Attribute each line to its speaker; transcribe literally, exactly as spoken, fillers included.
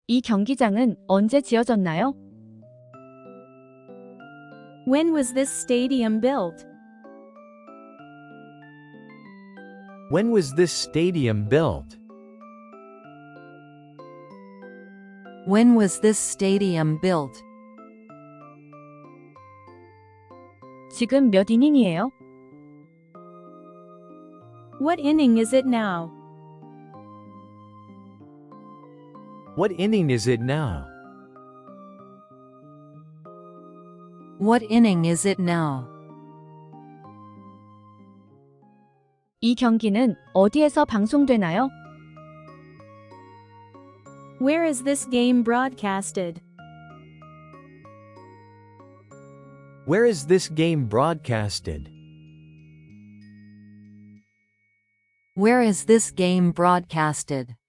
Speaker 1: 이 경기장은 언제 지어졌나요?
Speaker 2: When was this stadium built?
Speaker 3: When was this stadium built?
Speaker 4: When was this stadium built?
Speaker 1: 지금 몇 이닝이에요?
Speaker 2: What inning is it now?
Speaker 3: What inning is it now?
Speaker 4: What inning is it now?
Speaker 1: 이 경기는 어디에서 방송되나요?
Speaker 2: Where is this game broadcasted?
Speaker 3: Where is this game broadcasted?
Speaker 4: Where is this game broadcasted?